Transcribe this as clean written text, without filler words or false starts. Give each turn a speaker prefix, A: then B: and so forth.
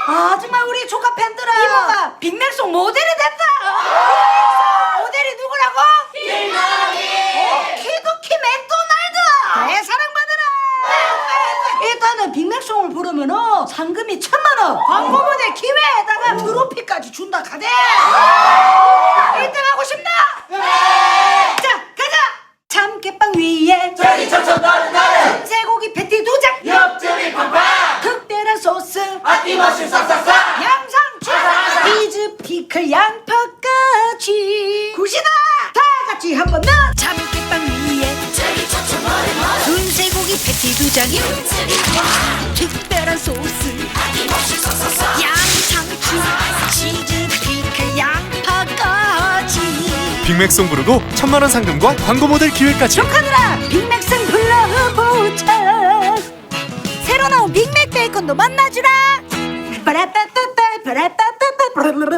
A: 아 정말 우리 조카 팬들아 이모가 빅맥송 모델이 된다. 모델이 누구라고? 키도키 맥도날드 대사랑받으라. 일단은 빅맥송을 부르면은 상금이 1,000만원, 광고 모델 기회에다가 트로피까지 준다 카대. 1등 하고 싶나? 자 가자. 참깨빵 위에
B: 저기 천천 나를
A: 쇠고기 패티 2장,
B: 옆집이 팡팡
A: 특별한 소스
B: 아낌없이 싹싹싹
A: 양상추 치즈 피클 양파까지 굿이다. 다 같이 한번 더. 참깨빵 위에 순쇠고기 패티 2장, 특별한 소스 양상추 치즈 피클 양파까지.
C: 빅맥송 부르고 1,000만원 상금과 광고 모델 기회까지.
A: 조카들아 빅맥송 불러보자. 새로 나온 빅맥 베이컨도 만나주라. 빠라빠빠빠 빠라빠빠빠